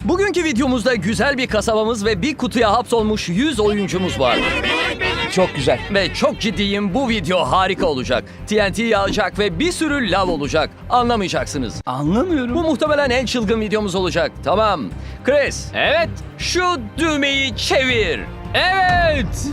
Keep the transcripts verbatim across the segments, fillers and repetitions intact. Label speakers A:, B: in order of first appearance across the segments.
A: Bugünkü videomuzda güzel bir kasabamız ve bir kutuya hapsolmuş yüz oyuncumuz var.
B: Çok güzel.
A: Ve çok ciddiyim, bu video harika olacak. T N T yağacak ve bir sürü lav olacak. Anlamayacaksınız.
B: Anlamıyorum.
A: Bu muhtemelen en çılgın videomuz olacak. Tamam. Chris,
C: Evet.
A: şu düğmeyi çevir.
C: Evet.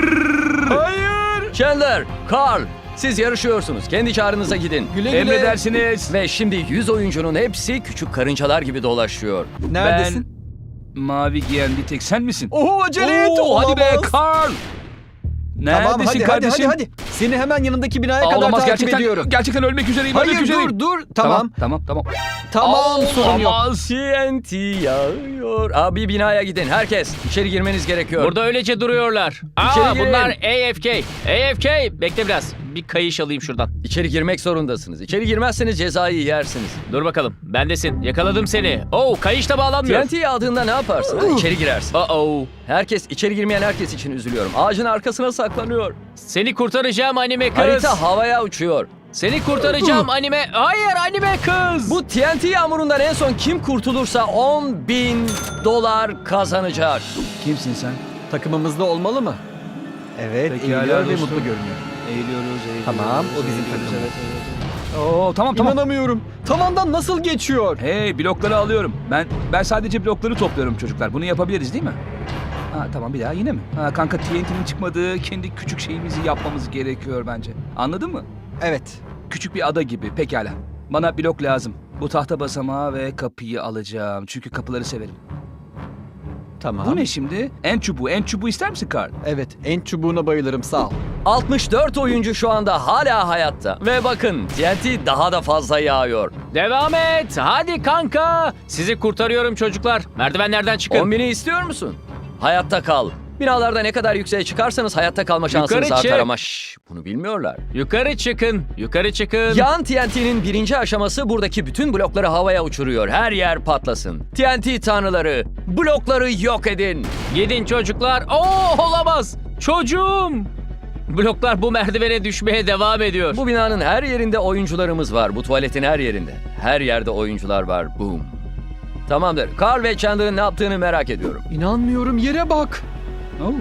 A: Hayır. Chandler, Carl, siz yarışıyorsunuz. Kendi çağrınıza gidin.
B: Güle güle.
C: Emredersiniz.
A: Ve şimdi yüz oyuncunun hepsi küçük karıncalar gibi dolaşıyor.
B: Neredesin?
C: Ben mavi giyen bir tek sen misin?
B: Oho acele et.
C: Oo, hadi be
B: olamaz.
C: Carl. Neredesin
B: Tamam hadi, hadi
C: kardeşim?
B: hadi hadi. Seni hemen yanındaki binaya
C: Aa,
B: kadar
C: olamaz,
B: takip
C: gerçekten,
B: ediyorum.
C: gerçekten ölmek üzereyim. ölmek
B: Hayır
C: üzereyim.
B: dur dur. Tamam.
C: Tamam tamam.
B: Tamam
C: Aa,
B: sorun yok.
C: olamaz.
A: T N T yağıyor. Abi binaya gidin. Herkes içeri girmeniz gerekiyor.
C: Burada öylece duruyorlar.
A: İçeri
C: Aa
A: girin.
C: bunlar A F K. A F K. Bekle biraz. Bir kayış alayım şuradan.
A: İçeri girmek zorundasınız. İçeri girmezseniz cezayı yersiniz.
C: Dur bakalım. Bendesin. Yakaladım seni. Oo kayış da bağlanmıyor.
A: T N T yağdığında ne yaparsın? Ha, İçeri girersin.
C: Uh-oh.
A: Herkes, içeri girmeyen herkes için üzülüyorum. Ağacın arkasına saklanıyor.
C: Seni kurtaracağım anime kız.
A: Harita havaya uçuyor.
C: Seni kurtaracağım anime. Hayır anime kız.
A: Bu T N T yağmurundan en son kim kurtulursa on bin dolar kazanacak.
C: Kimsin sen?
B: Takımımızda olmalı mı? Evet
C: Pekala
B: eğiliyor ve
C: dostum.
B: mutlu görünüyor.
C: Eğiliyoruz, eğiliyoruz.
B: Tamam, o bizim
C: eğiliyoruz,
B: takımımız.
C: evet, evet. Oo tamam tamam.
B: İnanamıyorum. Tavandan nasıl geçiyor?
C: Hey blokları alıyorum. Ben ben sadece blokları topluyorum çocuklar. Bunu yapabiliriz değil mi? Ha tamam bir daha yine mi? Ha kanka T N T'nin çıkmadığı kendi küçük şeyimizi yapmamız gerekiyor bence. Anladın mı?
B: Evet.
C: Küçük bir ada gibi pekala. Bana blok lazım. Bu tahta basamağı ve kapıyı alacağım. Çünkü kapıları severim.
B: Tamam.
C: Bu ne şimdi? En çubuğu. En çubuğu ister misin Carl?
B: Evet en çubuğuna bayılırım sağ ol.
A: altmış dört oyuncu şu anda hala hayatta. Ve bakın T N T daha da fazla yağıyor.
C: Devam et. Hadi kanka. Sizi kurtarıyorum çocuklar. Merdivenlerden çıkın.
A: on bini istiyor musun? Hayatta kal. Binalarda ne kadar yükseğe çıkarsanız hayatta kalma şansınız
C: Yukarı
A: artar
C: çık.
A: ama şşş, bunu bilmiyorlar.
C: Yukarı çıkın. Yukarı çıkın.
A: Yağan T N T'nin birinci aşaması buradaki bütün blokları havaya uçuruyor. Her yer patlasın. T N T tanrıları, blokları yok edin.
C: Gidin çocuklar. Oo olamaz. Çocuğum. Bloklar bu merdivene düşmeye devam ediyor.
A: Bu binanın her yerinde oyuncularımız var. Bu tuvaletin her yerinde. Her yerde oyuncular var. Boom. Tamamdır. Carl ve Chandler'ın ne yaptığını merak ediyorum.
B: İnanmıyorum yere bak.
C: Oo.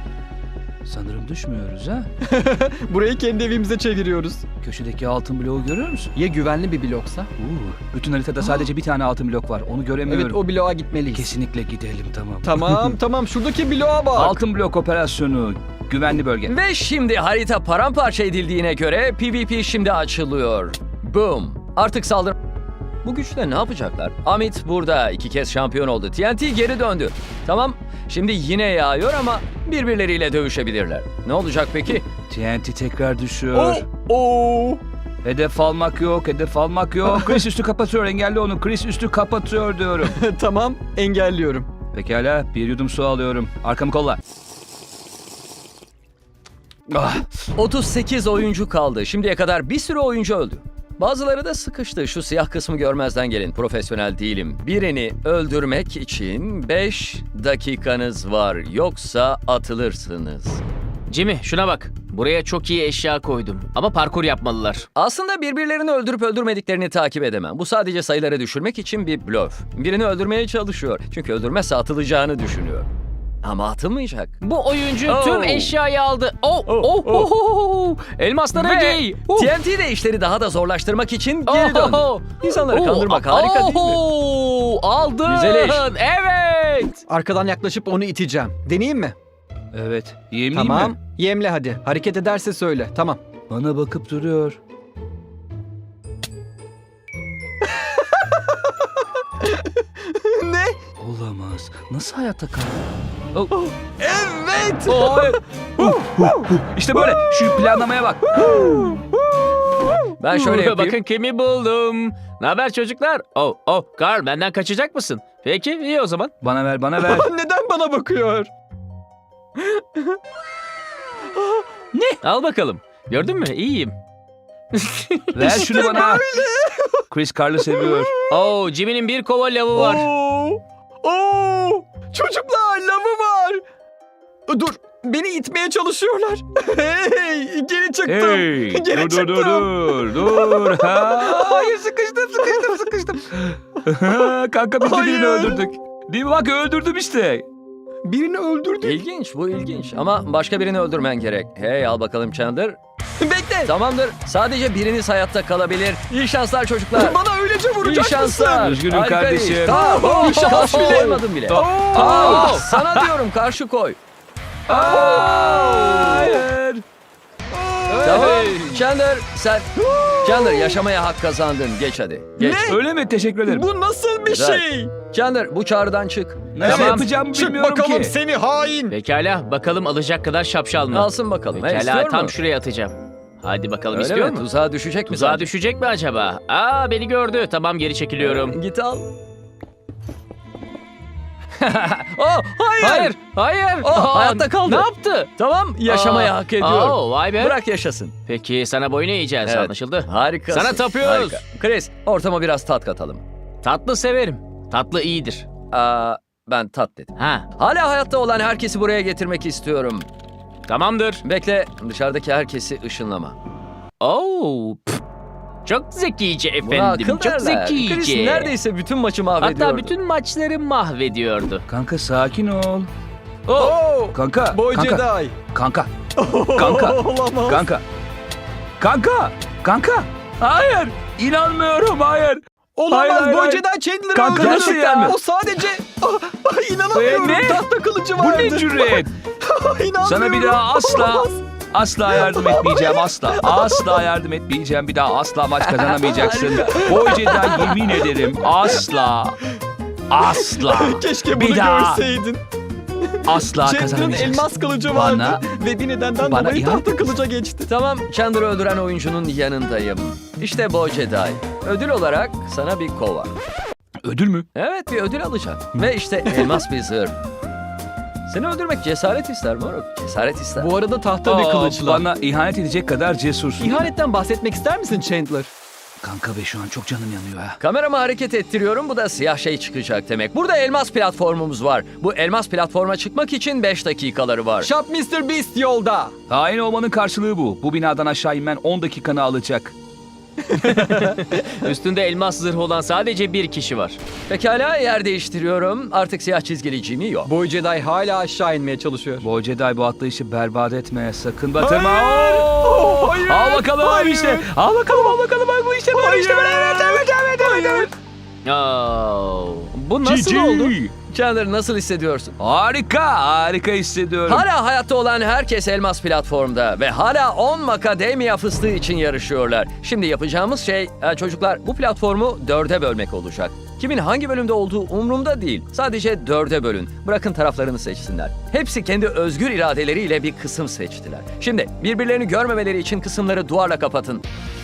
C: Sanırım düşmüyoruz ha.
B: Burayı kendi evimize çeviriyoruz.
C: Köşedeki altın bloğu görüyor musun?
B: Ya güvenli bir bloksa?
C: Oo. Bütün haritada sadece bir tane altın blok var. Onu göremiyorum.
B: Evet o bloğa gitmeliyiz.
C: Kesinlikle gidelim tamam.
B: Tamam tamam şuradaki bloğa bak.
C: Altın blok operasyonu. Güvenli bölge.
A: Ve şimdi harita paramparça edildiğine göre P V P şimdi açılıyor. Boom. Artık saldır... Bu güçle ne yapacaklar? Amit burada iki kez şampiyon oldu. T N T geri döndü. Tamam. Şimdi yine yağıyor ama birbirleriyle dövüşebilirler. Ne olacak peki?
C: T N T tekrar düşüyor.
B: Oo.
C: Hedef almak yok, hedef almak yok. Chris üstü kapatıyor, engelli onu. Chris üstü kapatıyor diyorum.
B: Tamam engelliyorum.
C: Pekala, bir yudum su alıyorum. Arkamı kolla. Ah,
A: otuz sekiz oyuncu kaldı. Şimdiye kadar bir sürü oyuncu öldü. Bazıları da sıkıştı. Şu siyah kısmı görmezden gelin. Profesyonel değilim. Birini öldürmek için beş dakikanız var. Yoksa atılırsınız.
C: Jimmy şuna bak. Buraya çok iyi eşya koydum. Ama parkur yapmalılar.
A: Aslında birbirlerini öldürüp öldürmediklerini takip edemem. Bu sadece sayıları düşürmek için bir blöf. Birini öldürmeye çalışıyor. Çünkü öldürmezse atılacağını düşünüyor. Ama atılmayacak.
C: Bu oyuncu
A: Oh.
C: tüm eşyayı aldı. Oh, oh,
A: Oh,
C: oh, oh. Elmaslara
A: Ve
C: giy. Oh.
A: T N T de işleri daha da zorlaştırmak için geri döndü.
C: Oh.
A: İnsanları
C: Oh.
A: kandırmak harika değil mi?
C: Oh. Aldın.
A: Güzel iş.
C: Evet.
B: Arkadan yaklaşıp onu iteceğim. Deneyeyim mi?
C: Evet. Yemleyeyim
B: Tamam.
C: mi?
B: Yemle hadi. Hareket ederse söyle. Tamam.
C: Bana bakıp duruyor.
B: Ne?
C: Olamaz. Nasıl hayatta kaldı? Oh.
B: Evet.
C: Oh, evet. Huh, huh, huh. İşte böyle. Şu planlamaya bak.
A: Ben şöyle yapayım.
C: Bakın kimi buldum. Ne haber çocuklar? Oh, oh, Carl benden kaçacak mısın? Peki, iyi o zaman. Bana ver, bana ver.
B: Neden bana bakıyor?
C: Ne? Al bakalım. Gördün mü? İyiyim. Ver şunu bana. Chris Carl'ı seviyor. Oh, Jimmy'nin bir kova lavı var.
B: Oo. Oo. Çocuklar lavı var. Dur. Beni itmeye çalışıyorlar. Hey, geri çıktım.
C: Hey,
B: Geri
C: dur, dur,
B: çıktım.
C: dur, dur, dur. Ha, hayır, sıkıştım, sıkıştım, sıkıştım. Kanka biz de birini
B: Hayır.
C: öldürdük. Değil mi? Bak öldürdüm işte.
B: Birini öldürdü.
A: İlginç, bu ilginç. Ama başka birini öldürmen gerek. Hey, al bakalım Chandler.
B: Bekle.
A: Tamamdır. Sadece biriniz hayatta kalabilir. İyi şanslar çocuklar.
B: Bana öylece
A: İyi
B: vuracak
A: şanslar.
C: Üzgünüm
A: Harika
C: kardeşim.
A: iş.
B: Tamam,
A: Tamam.
B: iyi şans bile.
A: Koymadım bile.
C: Oh.
A: Aa,
C: Oh.
A: sana diyorum karşı koy.
C: Hayır.
A: Tamam. Chandler sen... Chandler yaşamaya hak kazandın. Geç hadi. Geç.
B: Ne?
C: Öyle mi? Teşekkür ederim.
B: Bu nasıl bir
A: Güzel.
B: şey?
A: Chandler bu çağrıdan çık.
C: Nasıl
B: Evet,
C: yapacağımı
B: Çık
C: bilmiyorum
B: bakalım
C: ki.
B: seni hain.
D: Pekala bakalım alacak kadar şapşal mı?
A: Alsın bakalım. Hey,
D: Pekala
A: istiyor
D: tam
A: mu?
D: şuraya atacağım. Hadi bakalım
A: Öyle
D: istiyor
A: mi?
D: mu?
A: Tuzağa düşecek mi?
D: Tuzağa
A: sadece?
D: düşecek mi acaba? Aa beni gördü. Tamam geri çekiliyorum.
A: Git al. oh, hayır.
D: Hayır, hayır.
A: Oh,
D: Aa,
A: hayatta kaldı.
D: Ne yaptı?
A: Tamam, yaşamaya
D: Aa,
A: hak ediyor.
D: aa, vay be.
A: Bırak yaşasın.
D: Peki sana boyun eğeceğiz
A: Evet.
D: anlaşıldı.
A: Harika.
D: Sana tapıyoruz.
A: Chris, ortama biraz tat katalım.
D: Tatlı severim. Tatlı iyidir.
A: Aa, ben tat dedim.
D: Ha,
A: Hala hayatta olan herkesi buraya getirmek istiyorum.
D: tamamdır.
A: Bekle, dışarıdaki herkesi ışınlama.
D: Oo, pf. Çok zekice
A: Buna
D: efendim.
A: akıl
D: Çok
A: derler.
D: zekice.
A: Chris neredeyse bütün maçı mahvediyordu.
D: Hatta bütün maçları mahvediyordu.
C: Kanka sakin ol.
B: Oh,
C: Kanka.
B: Boy
C: kanka.
B: Jedi.
C: Kanka. Kanka.
B: Olamaz.
C: Kanka. Kanka. Kanka. Hayır. İnanmıyorum. Hayır.
B: Olamaz.
C: Hayır, hayır,
B: Boy
C: hayır.
B: Jedi Chandler'ı
C: Kanka,
B: öldürdü.
C: nasıl yani?
B: O sadece... Ah, ah, inanamıyorum.
C: Ee, ne?
B: Tahta kılıcı
C: Bu
B: vardı.
C: ne cüret?
B: İnanmıyorum.
C: Sana bir daha asla
B: Olamaz.
C: asla yardım etmeyeceğim asla. Asla yardım etmeyeceğim. Bir daha asla maç kazanamayacaksın. Boyce'den yemin ederim asla. Asla.
B: Keşke
C: Bir
B: bunu
C: daha.
B: görseydin.
C: Asla
B: Chandler'ın
C: kazanamayacaksın.
B: elmas kılıcı vardı.
C: Bana-
B: Ve bir nedenden
C: bana
B: dolayı
C: ihanet
B: tahta kılıca geçti.
A: Tamam, Chandler'ı öldüren oyuncunun yanındayım. İşte Boy Jedi. Ödül olarak sana bir kova.
C: Ödül mü?
A: Evet, bir ödül alacak. Ve işte elmas bir zırh. Seni öldürmek cesaret ister moruk. Cesaret ister.
B: Bu arada tahta bir
C: Aa,
B: kılıçla.
C: Bana ihanet edecek kadar cesursun.
B: İhanetten bahsetmek ister misin Chandler?
C: Kanka be şu an çok canım yanıyor ha.
A: Kameramı hareket ettiriyorum. Bu da siyah şey çıkacak demek. Burada elmas platformumuz var. Bu elmas platforma çıkmak için beş dakikaları var.
B: Shop mister Beast yolda.
C: Hain olmanın karşılığı bu. Bu binadan aşağı inmen on dakikanı alacak.
D: Üstünde elmas zırhı olan sadece bir kişi var.
A: Pekala, yer değiştiriyorum. Artık siyah çizgili Jimmy yok.
B: Boy Jedi hala aşağı inmeye çalışıyor.
C: Boy Jedi bu atlayışı berbat etme. Sakın batırma.
B: Hayır!
C: Oo!
B: Oh, hayır!
C: Al bakalım
B: Hayır!
C: işte. Al bakalım al bakalım. Bak bu işte böyle işte böyle. Evet evet evet evet. evet.
D: Oo, bu nasıl
C: G G.
D: oldu?
A: Chandler, nasıl hissediyorsun?
C: Harika. Harika hissediyorum.
A: Hala hayatta olan herkes elmas platformda ve hala on makademya fıstığı için yarışıyorlar. Şimdi yapacağımız şey e, çocuklar bu platformu dörde bölmek olacak. Kimin hangi bölümde olduğu umurumda değil. Sadece dörde bölün. Bırakın taraflarını seçsinler. Hepsi kendi özgür iradeleriyle bir kısım seçtiler. Şimdi birbirlerini görmemeleri için kısımları duvarla kapatın.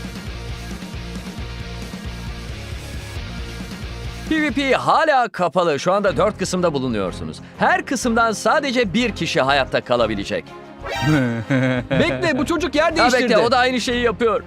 A: PvP hala kapalı. Şu anda dört kısımda bulunuyorsunuz. Her kısımdan sadece bir kişi hayatta kalabilecek.
B: Bekle, bu çocuk yer
A: Ha
B: değiştirdi.
A: bekle, o da aynı şeyi yapıyor.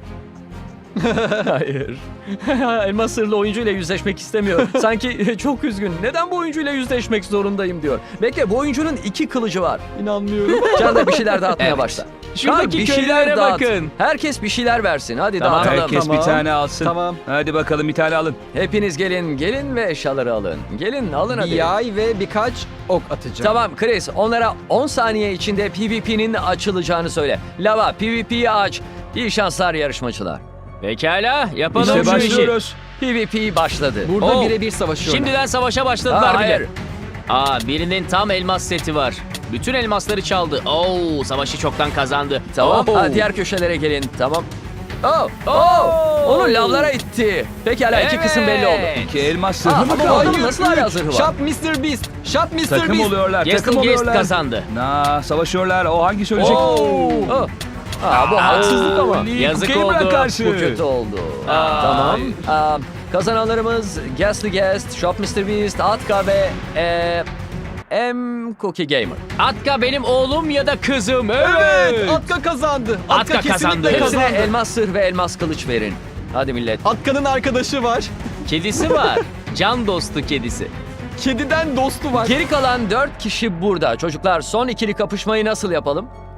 A: Hayır. Elmas sırlı oyuncuyla yüzleşmek istemiyor. Sanki çok üzgün. Neden bu oyuncuyla yüzleşmek zorundayım diyor. Bekle, bu oyuncunun iki kılıcı var.
B: İnanmıyorum.
A: Can da bir şeyler dağıtmaya
D: Evet.
A: başla.
D: Şuradaki
A: Kan, bir
D: köylere
A: şeyler dağıt.
D: bakın.
A: Herkes bir şeyler versin. Hadi
D: Tamam.
A: dağıtalım.
C: Herkes
B: Tamam.
C: bir tane alsın.
B: Tamam.
C: Hadi bakalım bir tane alın.
A: Hepiniz gelin, gelin ve eşyaları alın. Gelin, alın hadi.
B: Bir yay ve birkaç ok atacağım.
A: Tamam Chris, onlara on saniye içinde PvP'nin açılacağını söyle. Lava, PvP'yi aç. İyi şanslar yarışmacılar.
D: Pekala yapalım
C: İşte
D: şu işi.
C: başlıyoruz.
A: PvP başladı.
B: Burada
D: Oh.
B: birebir savaşıyorlar.
D: Şimdiden savaşa başladılar
A: Aa,
D: bile.
A: hayır.
D: Aa birinin tam elmas seti var. Bütün elmasları çaldı. Oo savaşı çoktan kazandı.
A: Tamam,
D: Oo.
A: ha, diğer köşelere gelin. Tamam. Oh, oh. Onu lavlara itti. Pekala, iki
D: Evet.
A: kısım belli oldu.
C: İki elmas
A: Aa,
C: sırrı mı
A: ama
C: kaldı?
A: hayır. Nasıl hala zırhı var?
B: Shop mister Beast. Shop mister
C: Takım
B: Beast.
C: oluyorlar.
D: Guest
C: takım
D: Guest
C: oluyorlar.
D: kazandı.
C: Na savaşıyorlar. O hangi söyleyecek?
A: Oh. Aa, bu haksızlık ama.
C: Lee
D: Yazık
C: Gamer'a
D: oldu.
C: karşı.
A: Bu kötü oldu.
D: Aa.
A: Tamam. Aa, kazananlarımız Ghastly Guest, Shop mister Beast, Atka ve e, M Cookie Gamer.
D: Atka benim oğlum ya da kızım. Evet.
B: Evet, Atka kazandı. Atka,
D: Atka
B: kesinlikle
D: kazandı.
B: kazandı.
A: Hepsine elmas sır ve elmas kılıç verin. Hadi millet.
B: Atka'nın arkadaşı var.
D: Kedisi var. Can dostu kedisi.
B: Kediden dostu var.
A: Geri kalan dört kişi burada. Çocuklar, son ikili kapışmayı nasıl yapalım?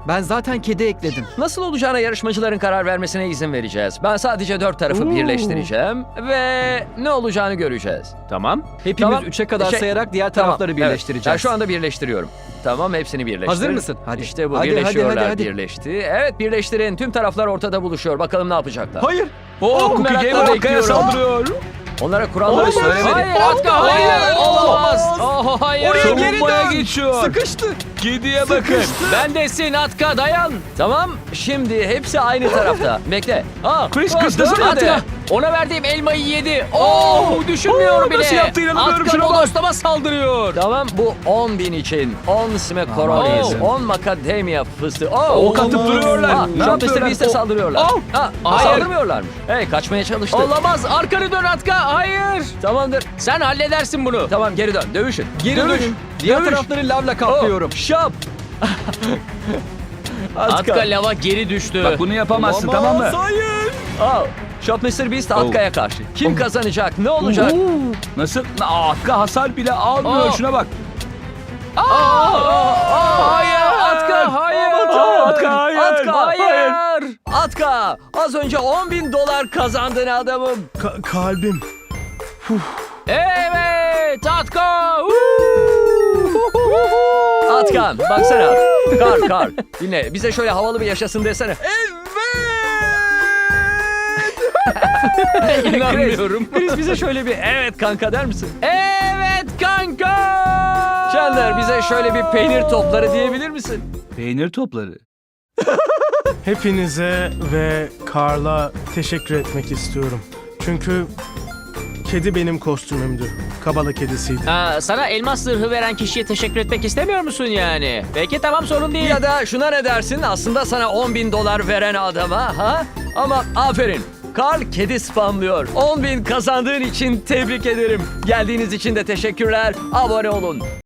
B: Ben zaten kedi ekledim.
A: Nasıl olacağına yarışmacıların karar vermesine izin vereceğiz. Ben sadece dört tarafı birleştireceğim ve ne olacağını göreceğiz.
D: Tamam.
B: Hepimiz
A: Tamam.
B: üçe kadar
A: Şey-
B: sayarak diğer
A: Tamam,
B: tarafları
A: evet.
B: birleştireceğiz.
A: Ben şu anda birleştiriyorum. Tamam, hepsini birleştir.
B: Hazır mısın? Hadi.
A: İşte bu,
B: Hadi,
A: birleşiyorlar,
B: hadi, hadi, hadi.
A: birleşti. Evet, birleştirin. Tüm taraflar ortada buluşuyor. Bakalım ne yapacaklar.
B: Hayır.
C: Oo, Cookie
A: merakla
C: Gamer Atka'ya
A: bekliyorum.
C: saldırıyor.
A: Onlara kuralları
B: Olamaz.
A: söylemedim.
D: Hayır Atka hayır. Olamaz. Oh, hayır.
B: Oraya geri
C: Savunmaya
B: dön.
C: geçiyor.
B: Sıkıştı.
C: Kediye bakın.
B: Sıkıştı.
D: Bendesin Atka dayan.
A: Tamam, şimdi hepsi aynı tarafta. Bekle. Aa,
C: Chris,
A: aa,
C: kıstasana
A: dönmedi.
D: Atka ona verdiğim elmayı yedi. Oo düşünmüyor
C: Oo,
D: bile.
C: nasıl yaptı, inanamıyorum,
D: Atka
C: şuna bak.
D: bodoslama saldırıyor.
A: Tamam, bu on bin için. on smekoronis,
C: Aa.
A: on macadamia fıstığı. Oo,
C: Ok atıp duruyorlar.
A: Aa,
C: Ne
A: şu an
C: yapıyorlar?
A: mister Beast'e
C: O-
A: saldırıyorlar.
C: Au.
A: Ha,
D: Hayır.
A: saldırmıyorlarmış. Hey, kaçmaya çalıştı.
D: Olamaz. Arkanı dön Atka. Hayır.
A: Tamamdır.
D: Sen halledersin bunu.
A: Tamam, geri dön. Dövüşün.
B: Geri
A: Dövüş.
B: dönün. Diğer
A: Dövüş.
B: tarafları lavla kaplıyorum.
A: Oh, şap.
D: Atka lava geri düştü.
C: Bak bunu yapamazsın,
B: Olamaz,
C: tamam mı?
B: Hayır.
A: Aa, Shop mister Beast Atka'ya karşı. Kim kazanacak? Ne olacak?
C: Nasıl? Aa, Atka hasar bile almıyor.
D: Aa.
C: Şuna bak.
D: Hayır Atka hayır.
A: Aa,
C: Atka, hayır.
A: Atka,
D: Hayır.
A: Atka, az önce on bin dolar kazandın adamım.
E: Ka- kalbim.
D: Evet Atka.
A: Atkan, baksana. Kar, kar. Dinle, bize şöyle havalı bir yaşasın desene.
D: İnanmıyorum.
A: Chris, Chris bize şöyle bir evet kanka der misin?
D: Evet kanka.
A: Chandler, bize şöyle bir peynir topları diyebilir misin?
C: Peynir topları.
E: Hepinize ve Carl'a teşekkür etmek istiyorum. Çünkü kedi benim kostümümdü. Kabala kedisiydi.
D: Aa, sana elmas zırhı veren kişiye teşekkür etmek istemiyor musun yani? Peki tamam sorun değil.
A: Ya da şuna ne dersin? Aslında sana on bin dolar veren adama, ha? Ama aferin. Carl kedi spamlıyor. on bin kazandığın için tebrik ederim. Geldiğiniz için de teşekkürler. Abone olun.